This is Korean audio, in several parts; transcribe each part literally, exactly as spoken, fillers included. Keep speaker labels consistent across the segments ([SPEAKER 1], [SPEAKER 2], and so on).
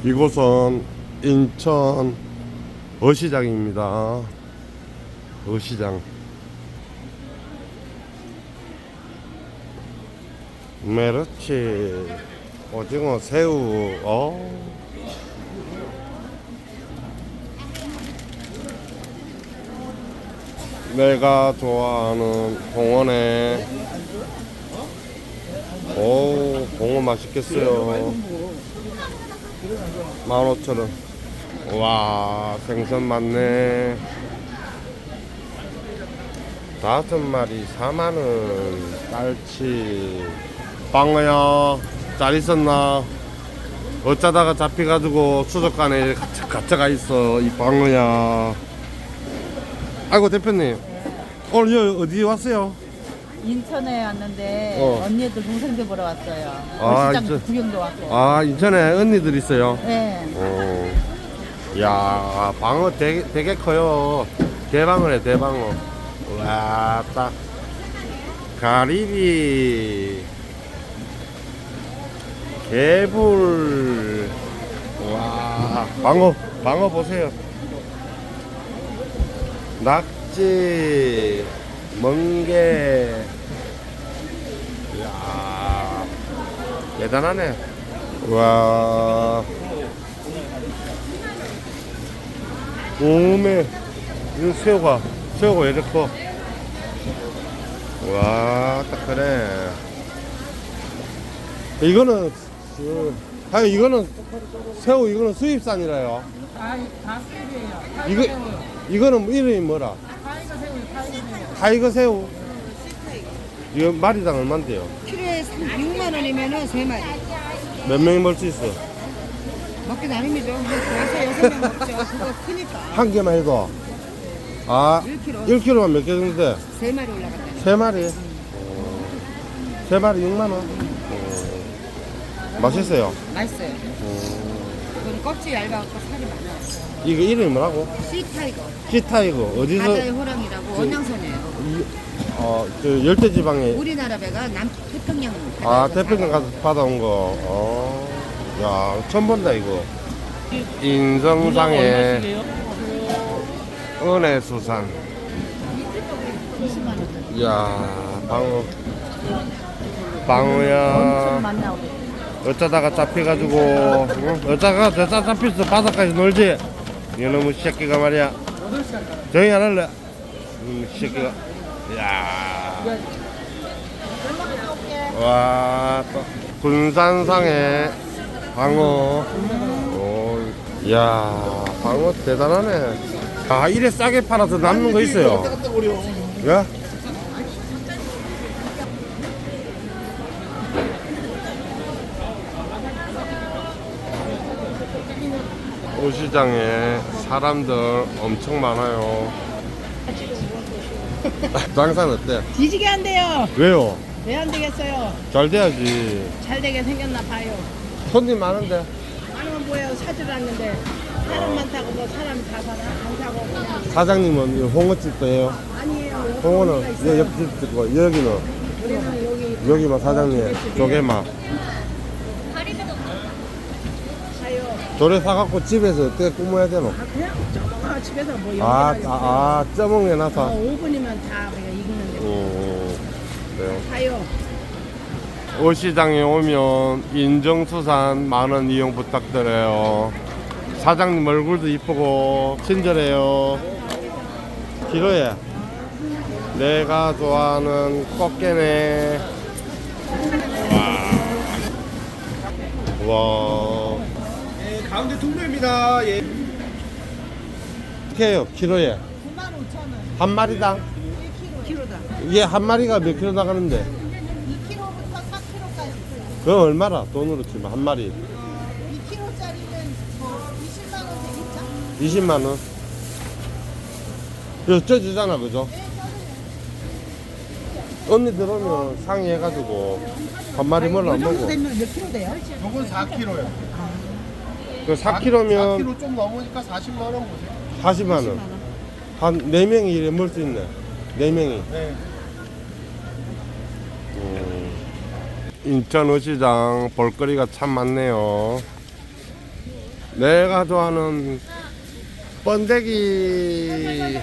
[SPEAKER 1] 이곳은 인천 어시장입니다. 어시장. 메르치, 오징어, 새우. 어. 내가 좋아하는 봉어네. 오, 봉어 맛있겠어요. 만 오천 원. 와, 생선 많네. 다섯 마리 사만 원. 깔치. 방어야, 잘 있었나? 어쩌다가 잡혀가지고 수족관에 갇혀, 갇혀가 있어, 이 방어야. 아이고, 대표님. 오늘 여기 어디 왔어요?
[SPEAKER 2] 인천에 왔는데
[SPEAKER 1] 어.
[SPEAKER 2] 언니들 동생들 보러 왔어요.
[SPEAKER 1] 아,
[SPEAKER 2] 시장
[SPEAKER 1] 인천.
[SPEAKER 2] 구경도 왔고.
[SPEAKER 1] 아, 인천에 언니들 있어요?
[SPEAKER 2] 네.
[SPEAKER 1] 어. 야, 방어 되게, 되게 커요. 대방어네, 대방어. 와, 딱. 가리비. 개불. 와, 방어, 방어 보세요. 낙지, 멍게. 이야, 대단하네. 와, 오메, 이거 새우가, 새우가 왜 이렇게 커? 와, 딱 그래. 이거는, 그, 아니, 이거는, 새우, 이거는 수입산이라요.
[SPEAKER 2] 다, 다 수입이에요.
[SPEAKER 1] 이거, 이거는 이름이 뭐라?
[SPEAKER 2] 타이거 새우요, 타이거 새우.
[SPEAKER 1] 타이거 새우. 이거 마리당 얼만데요?
[SPEAKER 3] 키로에 육만 원이면은 세 마리.
[SPEAKER 1] 몇 명이 먹을 수 있어?
[SPEAKER 3] 먹기 나름이죠. 근데 좋아서 여섯 명 먹죠. 그거 크니까.
[SPEAKER 1] 한 개만 해도. 아,
[SPEAKER 3] 일 킬로그램.
[SPEAKER 1] 일 킬로그램만 몇 개 정도 돼?
[SPEAKER 3] 세 마리 올라갔다.
[SPEAKER 1] 세 마리. 어, 세 마리 육만 원. 어, 맛있어요.
[SPEAKER 3] 맛있어요.
[SPEAKER 1] 어,
[SPEAKER 3] 그건 껍질 얇아갖고 살이 많아요.
[SPEAKER 1] 이거 이름이 뭐라고?
[SPEAKER 3] 씨타이거.
[SPEAKER 1] 시타이거. 어디서?
[SPEAKER 3] 바다의 호랑이라고 원양선이에요.
[SPEAKER 1] 이, 어, 저 열대지방에.
[SPEAKER 3] 우리나라 배가 남태평양.
[SPEAKER 1] 아, 태평양 가서 받아온 거. 어, 야, 처음 본다, 이거. 인성상의 은혜수산. 이야, 방어. 방어야.
[SPEAKER 2] 만나고.
[SPEAKER 1] 어쩌다가 잡혀가지고, 응? 어쩌다가 대짜 잡혔어. 바닷가에서 놀지? 이놈의 새끼가 말이야. 조용히 안 할래? 이놈의 새끼가. 이야. 와, 또 군산상의 방어. 오, 이야, 방어 대단하네. 아, 이래 싸게 팔아서 남는 거 있어요. 예? 오시장에 사람들 엄청 많아요. 장사는 어때?
[SPEAKER 3] 뒤지게 한대요.
[SPEAKER 1] 왜요?
[SPEAKER 3] 왜 안 되겠어요?
[SPEAKER 1] 잘 돼야지.
[SPEAKER 3] 잘 되게 생겼나 봐요.
[SPEAKER 1] 손님 많은데.
[SPEAKER 3] 많으면 뭐예요? 사질 않는데. 사람 많다고 뭐 사람이 다 사나? 안 사고 그냥.
[SPEAKER 1] 사장님은 이 홍어집도 해요.
[SPEAKER 3] 아니에요.
[SPEAKER 1] 홍어는
[SPEAKER 3] 여기가 있어요.
[SPEAKER 1] 여- 옆집 있고 여기는
[SPEAKER 3] 우리는 여기
[SPEAKER 1] 여기만 사장님 조개만.
[SPEAKER 3] 가요.
[SPEAKER 1] 조개 사갖고 집에서 어떻게 꾸며야 되노?
[SPEAKER 3] 아 그냥 저거 집에서 뭐
[SPEAKER 1] 아,
[SPEAKER 3] 연기하려고.
[SPEAKER 1] 아, 아 쪄먹게
[SPEAKER 3] 어,
[SPEAKER 1] 놔서.
[SPEAKER 3] 오 분이면 다 그냥 익는데.
[SPEAKER 1] 음, 그래요.
[SPEAKER 3] 가요.
[SPEAKER 1] 어시장에 오면 인정수산 많은 이용 부탁드려요. 사장님 얼굴도 이쁘고 친절해요. 기로에 내가 좋아하는 꽃게네. 와, 와.
[SPEAKER 4] 예, 가운데 통로입니다. 예.
[SPEAKER 1] 어떻게 해요? 키로에
[SPEAKER 2] 구만 오천 원.
[SPEAKER 1] 한 마리당?
[SPEAKER 3] 키로다.
[SPEAKER 1] 이게 한 마리가 몇 킬로 나가는데?
[SPEAKER 2] 이 킬로그램부터 사 킬로그램까지 있어요.
[SPEAKER 1] 그건 얼마나 돈으로 치면 한 마리?
[SPEAKER 2] 이 킬로그램짜리는 뭐 이십만 원 되겠죠?
[SPEAKER 1] 이십만 원. 이거 쪄주잖아, 그죠? 언니 들어오면 상의해가지고 한 마리 뭘로 안 먹어.
[SPEAKER 3] 되면 몇 킬로 돼요?
[SPEAKER 4] 요건 사 킬로요.
[SPEAKER 1] 그 사
[SPEAKER 4] 사
[SPEAKER 1] 킬로면
[SPEAKER 4] 킬로 좀 넘으니까 사십만 원 보세요.
[SPEAKER 1] 사십만 원. 한 네 명이 이래 먹을 수 있네. 네 명이.
[SPEAKER 4] 네.
[SPEAKER 1] 인천 어시장 볼거리가 참 많네요. 내가 좋아하는 번데기.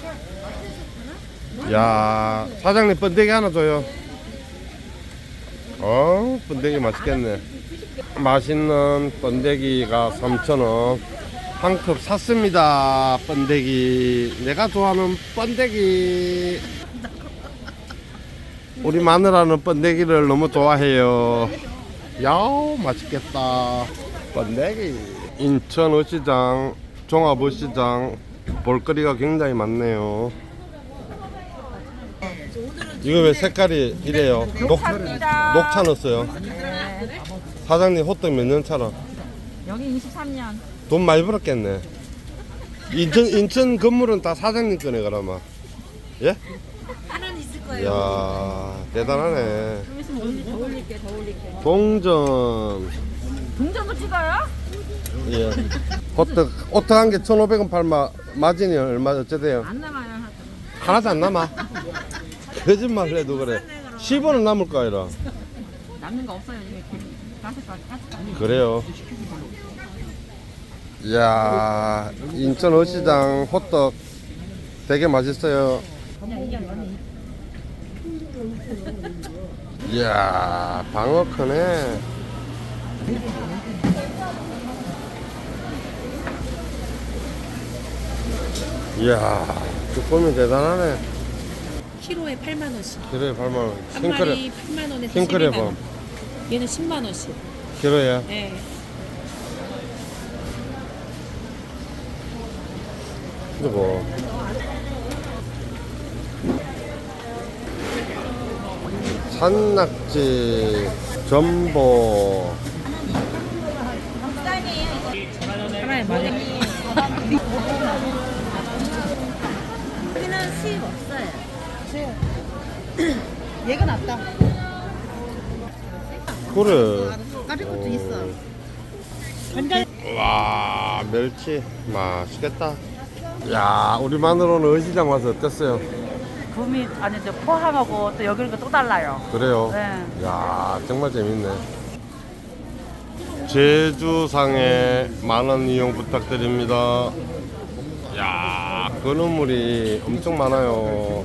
[SPEAKER 1] 야, 사장님 번데기 하나 줘요. 어, 번데기 맛있겠네. 맛있는 번데기가 삼천 원. 한 컵 샀습니다. 번데기. 내가 좋아하는 번데기. 우리 마누라는 번데기를 너무 좋아해요. 야우, 맛있겠다. 번데기. 인천 어시장, 종합 어시장 볼거리가 굉장히 많네요. 이거 왜 색깔이 이래요? 녹, 녹차 넣었어요. 사장님 호떡 몇 년 차라?
[SPEAKER 3] 여기 이십삼 년.
[SPEAKER 1] 돈 많이 벌었겠네. 인천 인천 건물은 다 사장님 거네 그러면. 예?
[SPEAKER 3] 하나는 있을 거예요.
[SPEAKER 1] 이야, 대단하네.
[SPEAKER 3] 좀 있으면 올리- 더 올릴게, 더 올릴게.
[SPEAKER 1] 동전.
[SPEAKER 3] 동전도 찍어요?
[SPEAKER 1] 예. 호떡 호떡 한 개 천오백 원 팔마 마진이 얼마 어쩌대요?
[SPEAKER 3] 안 남아요.
[SPEAKER 1] 하나도 안 남아. 거짓말 해도 그래. 십 원은 남을 거 아니라.
[SPEAKER 3] 남는 거 없어요. 이게 가스까지 가스까지.
[SPEAKER 1] 그래요. 이야, 인천 어시장 호떡 되게 맛있어요.
[SPEAKER 3] 그냥 이게 언니.
[SPEAKER 1] 이야, 방어 크네. 이야, 쭈꾸미 대단하네.
[SPEAKER 5] 키로에 팔만 원씩.
[SPEAKER 1] 키로에 팔만 원.
[SPEAKER 5] 한
[SPEAKER 1] 킹크랩,
[SPEAKER 5] 마리 팔만 원에서
[SPEAKER 1] 킹크랩은
[SPEAKER 5] 십이만 원. 얘는 십만 원씩.
[SPEAKER 1] 키로에.
[SPEAKER 5] 네.
[SPEAKER 1] 그리고 산낙지, 전복.
[SPEAKER 5] 하나에 만 원.
[SPEAKER 3] 여기는 수입 없어요.
[SPEAKER 2] 얘가 낫다.
[SPEAKER 1] 그래.
[SPEAKER 2] 까리 것도 있어.
[SPEAKER 1] 와, 멸치 맛있겠다. 야, 우리 마누라는 어시장 와서 어땠어요?
[SPEAKER 3] 구미 아니 저 포항하고 또 여기는 또 달라요.
[SPEAKER 1] 그래요?
[SPEAKER 3] 네.
[SPEAKER 1] 야, 정말 재밌네. 제주상에 만원 이용 부탁드립니다. 야, 건어물이 엄청 많아요.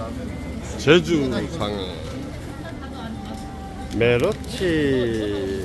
[SPEAKER 1] 제주상에 메로치,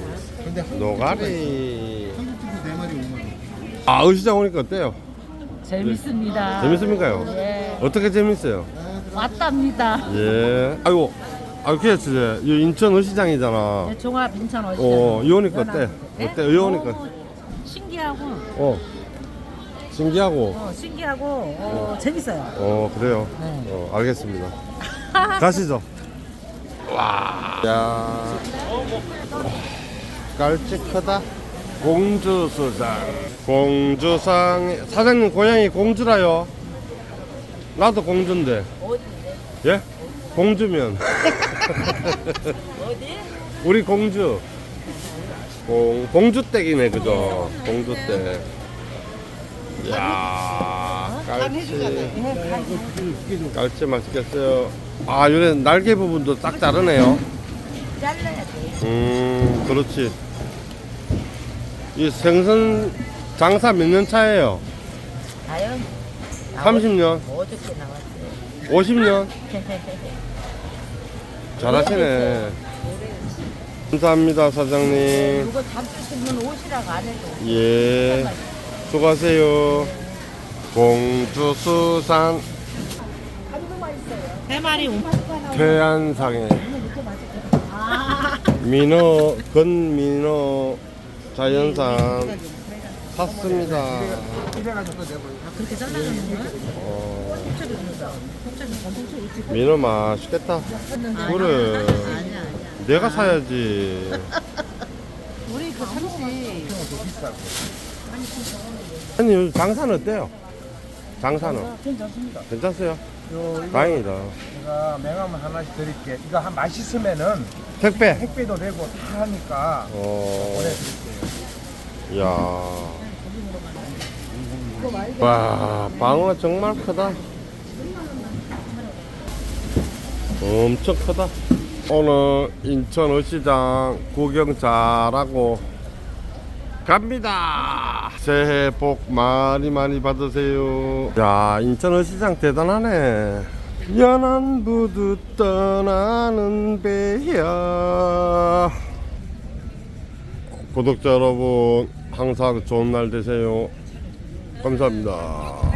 [SPEAKER 1] 노가리.
[SPEAKER 4] 네 마리 오만 원.
[SPEAKER 1] 아, 어시장 오니까 어때요?
[SPEAKER 3] 재밌습니다.
[SPEAKER 1] 재밌습니까요?
[SPEAKER 3] 예.
[SPEAKER 1] 어떻게 재밌어요?
[SPEAKER 3] 왔답니다.
[SPEAKER 1] 예. 아이고, 아, 그래, 진짜. 이 인천 어시장이잖아.
[SPEAKER 3] 네, 종합 인천 어시장.
[SPEAKER 1] 어, 이 오니까 어때?
[SPEAKER 3] 예?
[SPEAKER 1] 어때? 이 오니까.
[SPEAKER 3] 너무 신기하고
[SPEAKER 1] 어. 신기하고.
[SPEAKER 3] 어, 신기하고 어, 재밌어요.
[SPEAKER 1] 어, 그래요.
[SPEAKER 3] 네.
[SPEAKER 1] 어, 알겠습니다. 가시죠. 와. 야. 와, 깔치 크다. 공주수장. 공주상. 사장님 고향이 공주라요. 나도 공주인데.
[SPEAKER 3] 어디인데?
[SPEAKER 1] 예? 공주면.
[SPEAKER 3] 어디?
[SPEAKER 1] 우리 공주. 공, 공주댁이네, 그죠? 공주댁. 이야, 깔치. 깔치 맛있겠어요. 아, 요래 날개 부분도 딱 자르네요.
[SPEAKER 3] 잘라야 돼.
[SPEAKER 1] 음, 그렇지. 이 생선 장사 몇 년 차예요?
[SPEAKER 3] 다요?
[SPEAKER 1] 삼십 년?
[SPEAKER 3] 어저께 나왔어요.
[SPEAKER 1] 오십 년? 잘하시네. 감사합니다, 사장님.
[SPEAKER 3] 이거 담을 수 있는 옷이라고 안 해도.
[SPEAKER 1] 예. 수고하세요. 공주수산
[SPEAKER 5] 세 마리 오만 원.
[SPEAKER 1] 태안상에 민어, 건민어 자연산 샀습니다.
[SPEAKER 5] 그렇게 잘라주는 거야?
[SPEAKER 1] 어, 민어 맛있겠다. 그래. 내가 사야지.
[SPEAKER 2] 우리 그 삼시
[SPEAKER 1] 아니, 요즘 장사는 어때요? 장사는?
[SPEAKER 4] 괜찮습니다.
[SPEAKER 1] 괜찮어요?
[SPEAKER 4] 요, 이거
[SPEAKER 1] 다행이다.
[SPEAKER 4] 제가 맹하면 하나씩 드릴게. 이거 한 맛있으면은
[SPEAKER 1] 택배.
[SPEAKER 4] 택배도 되고 다 하니까
[SPEAKER 1] 어,
[SPEAKER 4] 보내드릴게요.
[SPEAKER 1] 야. 와, 방어가 정말 크다. 엄청 크다. 오늘 인천 어시장 구경 잘하고 갑니다. 새해 복 많이 많이 받으세요. 야, 인천 어시장 대단하네. 연안 부두 떠나는 배야. 구독자 여러분, 항상 좋은 날 되세요. 감사합니다.